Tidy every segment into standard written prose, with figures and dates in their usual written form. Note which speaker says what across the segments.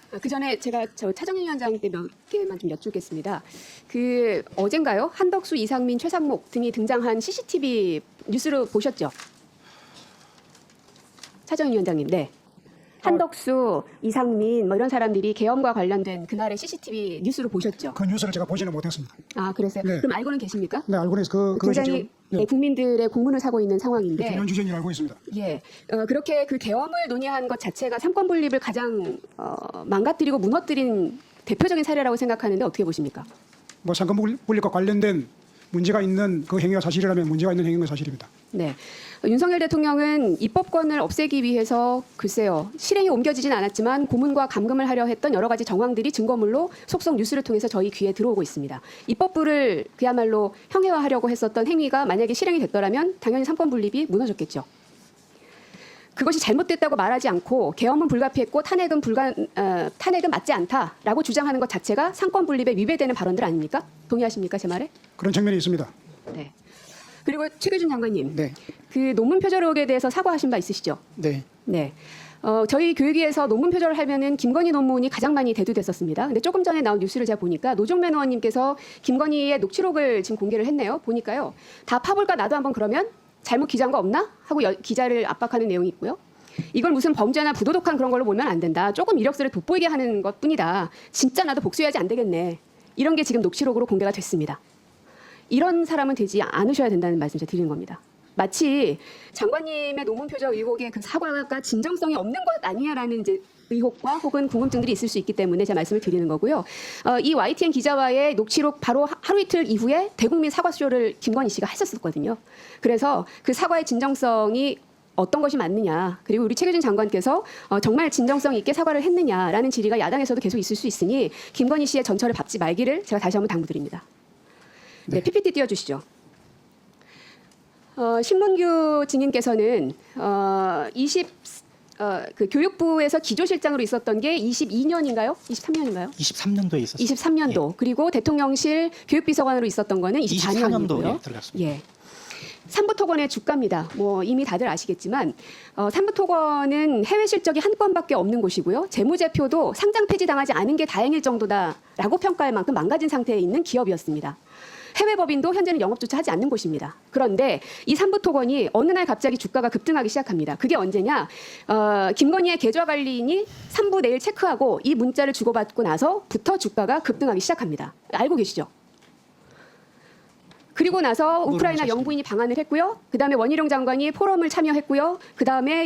Speaker 1: 그 전에 제가 차정희 위원장 때 몇 개만 좀 여쭙겠습니다. 그 어젠가요? 한덕수, 이상민, 최상목 등이 등장한 CCTV 뉴스로 보셨죠? 차정희 위원장님, 네. 한덕수, 이상민 뭐 이런 사람들이 계엄과 관련된 그날의 CCTV 뉴스로 보셨죠?
Speaker 2: 그 뉴스를 제가 보지는 못했습니다.
Speaker 1: 아, 그랬어요?
Speaker 2: 네.
Speaker 1: 그럼 알고는 계십니까?
Speaker 2: 네, 알고 있어요. 그것이
Speaker 1: 굉장히
Speaker 2: 지금 네,
Speaker 1: 국민들의 공분을 사고 있는 상황인데
Speaker 2: 중요한 주제인 알고 있습니다.
Speaker 1: 예, 그렇게 그 계엄을 논의한 것 자체가 삼권 분립을 가장 망가뜨리고 무너뜨린 대표적인 사례라고 생각하는데 어떻게 보십니까?
Speaker 2: 뭐 상권 분립과 관련된 문제가 있는 그 행위가 사실이라면 문제가 있는 행위가 사실입니다.
Speaker 1: 네, 윤석열 대통령은 입법권을 없애기 위해서 글쎄요 실행이 옮겨지진 않았지만 고문과 감금을 하려 했던 여러 가지 정황들이 증거물로 속속 뉴스를 통해서 저희 귀에 들어오고 있습니다. 입법부를 그야말로 형해화하려고 했었던 행위가 만약에 실행이 됐더라면 당연히 삼권 분립이 무너졌겠죠. 그것이 잘못됐다고 말하지 않고 계엄은 불가피했고 탄핵은 맞지 않다라고 주장하는 것 자체가 삼권 분립에 위배되는 발언들 아닙니까? 동의하십니까 제 말에?
Speaker 2: 그런 측면이 있습니다.
Speaker 1: 네. 그리고 최규준 장관님,
Speaker 3: 네.
Speaker 1: 그 논문 표절 의혹에 대해서 사과하신 바 있으시죠?
Speaker 3: 네.
Speaker 1: 네. 저희 교육위에서 논문 표절을 하면은 김건희 논문이 가장 많이 대두됐었습니다. 근데 조금 전에 나온 뉴스를 제가 보니까 노종면 의원님께서 김건희의 녹취록을 지금 공개를 했네요. 보니까요. 다 파볼까 나도 한번 그러면 잘못 기재한 거 없나? 하고 기자를 압박하는 내용이 있고요. 이걸 무슨 범죄나 부도덕한 그런 걸로 보면 안 된다. 조금 이력서를 돋보이게 하는 것뿐이다. 진짜 나도 복수해야지 안 되겠네. 이런 게 지금 녹취록으로 공개가 됐습니다. 이런 사람은 되지 않으셔야 된다는 말씀 제가 드리는 겁니다. 마치 장관님의 논문 표절 의혹의 그 사과가 진정성이 없는 것 아니냐라는 이제 의혹과 혹은 궁금증들이 있을 수 있기 때문에 제가 말씀을 드리는 거고요. 이 YTN 기자와의 녹취록 바로 하루 이틀 이후에 대국민 사과쇼를 김건희 씨가 했었거든요. 그래서 그 사과의 진정성이 어떤 것이 맞느냐, 그리고 우리 최규진 장관께서 정말 진정성 있게 사과를 했느냐라는 질의가 야당에서도 계속 있을 수 있으니 김건희 씨의 전철을 밟지 말기를 제가 다시 한번 당부드립니다. 네, PPT 띄워주시죠. 신문규 증인께서는 그 교육부에서 기조실장으로 있었던 게 22년인가요? 23년인가요?
Speaker 3: 23년도에 있었어요.
Speaker 1: 23년도.
Speaker 3: 예.
Speaker 1: 그리고 대통령실 교육비서관으로 있었던 거는 24년이고요.
Speaker 3: 24년도에 들어갔습니다.
Speaker 1: 예. 삼부토건의 주가입니다. 뭐 이미 다들 아시겠지만 삼부토건은 해외 실적이 한 건밖에 없는 곳이고요. 재무제표도 상장 폐지당하지 않은 게 다행일 정도다라고 평가할 만큼 망가진 상태에 있는 기업이었습니다. 해외 법인도 현재는 영업조차 하지 않는 곳입니다. 그런데 이 삼부토건이 어느 날 갑자기 주가가 급등하기 시작합니다. 그게 언제냐? 김건희의 계좌관리인이 3부 내일 체크하고 이 문자를 주고받고 나서부터 주가가 급등하기 시작합니다. 알고 계시죠? 그리고 나서 우크라이나 영부인이 방한을 했고요. 그다음에 원희룡 장관이 포럼을 참여했고요. 그다음에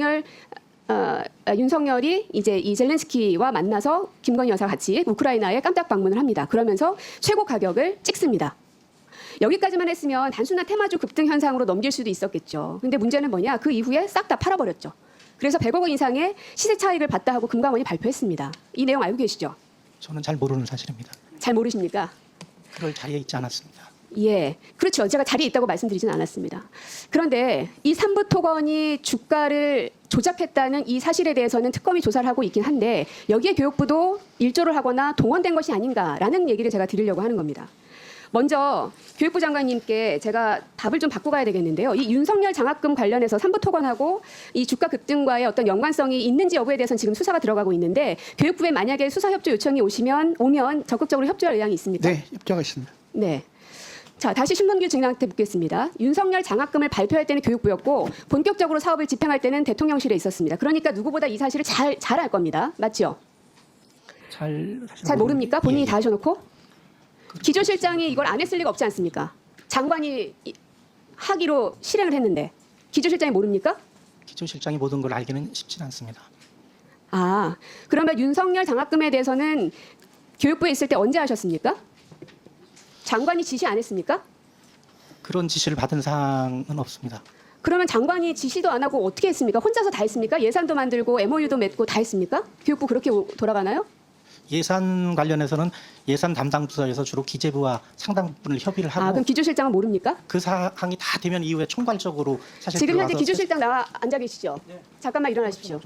Speaker 1: 윤석열이 이제 이 젤렌스키와 만나서 김건희 여사가 같이 우크라이나에 깜짝 방문을 합니다. 그러면서 최고 가격을 찍습니다. 여기까지만 했으면 단순한 테마주 급등 현상으로 넘길 수도 있었겠죠. 근데 문제는 뭐냐? 그 이후에 싹 다 팔아버렸죠. 그래서 100억 원 이상의 시세 차익을 봤다 하고 금감원이 발표했습니다. 이 내용 알고 계시죠?
Speaker 3: 저는 잘 모르는 사실입니다.
Speaker 1: 잘 모르십니까?
Speaker 3: 그럴 자리에 있지 않았습니다.
Speaker 1: 예, 그렇죠. 제가 자리에 있다고 말씀드리진 않았습니다. 그런데 이 삼부토건이 주가를 조작했다는 이 사실에 대해서는 특검이 조사를 하고 있긴 한데 여기에 교육부도 일조를 하거나 동원된 것이 아닌가라는 얘기를 제가 드리려고 하는 겁니다. 먼저 교육부 장관님께 제가 답을 좀 받고 가야 되겠는데요. 이 윤석열 장학금 관련해서 삼부토건하고 이 주가 급등과의 어떤 연관성이 있는지 여부에 대해서는 지금 수사가 들어가고 있는데 교육부에 만약에 수사 협조 요청이 오면 적극적으로 협조할 의향이 있습니까?
Speaker 3: 네, 협조가 있습니다.
Speaker 1: 네. 자, 다시 신문규 증인한테 묻겠습니다. 윤석열 장학금을 발표할 때는 교육부였고 본격적으로 사업을 집행할 때는 대통령실에 있었습니다. 그러니까 누구보다 이 사실을 잘 알 겁니다. 맞죠?
Speaker 3: 잘
Speaker 1: 모릅니까? 본인이
Speaker 3: 예,
Speaker 1: 다 하셔놓고? 기조실장이 이걸 안 했을 리가 없지 않습니까? 장관이 하기로 실행을 했는데 기조실장이 모릅니까?
Speaker 3: 기조실장이 모든 걸 알기는 쉽지는 않습니다.
Speaker 1: 아, 그러면 윤석열 장학금에 대해서는 교육부에 있을 때 언제 하셨습니까? 장관이 지시 안 했습니까?
Speaker 3: 그런 지시를 받은 사항은 없습니다.
Speaker 1: 그러면 장관이 지시도 안 하고 어떻게 했습니까? 혼자서 다 했습니까? 예산도 만들고 MOU도 맺고 다 했습니까? 교육부 그렇게 돌아가나요?
Speaker 3: 예산 관련해서는 예산 담당 부서에서 주로 기재부와 상당 부분을 협의를 하고
Speaker 1: 그럼 기조실장은 모릅니까?
Speaker 3: 그 사항이 다 되면 이후에 총괄적으로 사실
Speaker 1: 지금 현재
Speaker 3: 들어가서
Speaker 1: 기조실장 나와 앉아 계시죠?
Speaker 3: 네.
Speaker 1: 잠깐만 일어나십시오.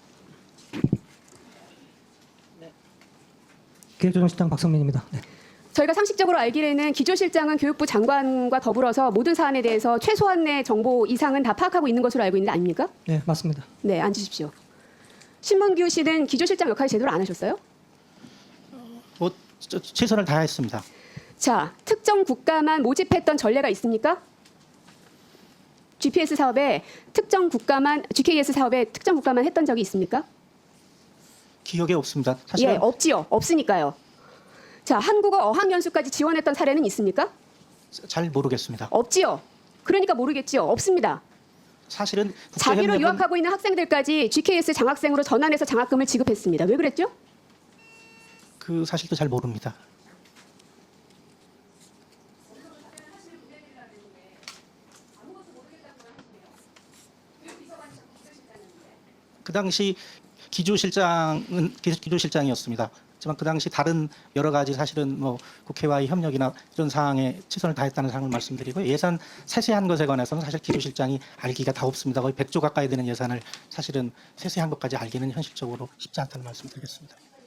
Speaker 4: 기획조정실장 박성민입니다. 네.
Speaker 1: 저희가 상식적으로 알기에는 기조실장은 교육부 장관과 더불어서 모든 사안에 대해서 최소한의 정보 이상은 다 파악하고 있는 것으로 알고 있는데 아닙니까?
Speaker 4: 네, 맞습니다.
Speaker 1: 네, 앉으십시오. 신문규 씨는 기조실장 역할 제대로 안 하셨어요?
Speaker 3: 뭐 최선을 다했습니다.
Speaker 1: 자, 특정 국가만 모집했던 전례가 있습니까? GPS 사업에 특정 국가만 GKS 사업에 특정 국가만 했던 적이 있습니까?
Speaker 3: 기억에 없습니다. 사실은
Speaker 1: 예, 없지요. 없으니까요. 자, 한국어 어학연수까지 지원했던 사례는 있습니까?
Speaker 3: 잘 모르겠습니다.
Speaker 1: 없지요. 그러니까 모르겠지요. 없습니다.
Speaker 3: 사실은
Speaker 1: 자비로
Speaker 3: 국제협력은
Speaker 1: 유학하고 있는 학생들까지 GKS 장학생으로 전환해서 장학금을 지급했습니다. 왜 그랬죠?
Speaker 3: 그 사실도 잘 모릅니다. 그 당시 기조실장이었습니다. 하지만 그 당시 다른 여러 가지 사실은 뭐 국회와의 협력이나 이런 사항에 최선을 다했다는 사항을 말씀드리고 예산 세세한 것에 관해서는 사실 기조실장이 알기가 다 없습니다. 거의 100조 가까이 되는 예산을 사실은 세세한 것까지 알기는 현실적으로 쉽지 않다는 말씀드리겠습니다.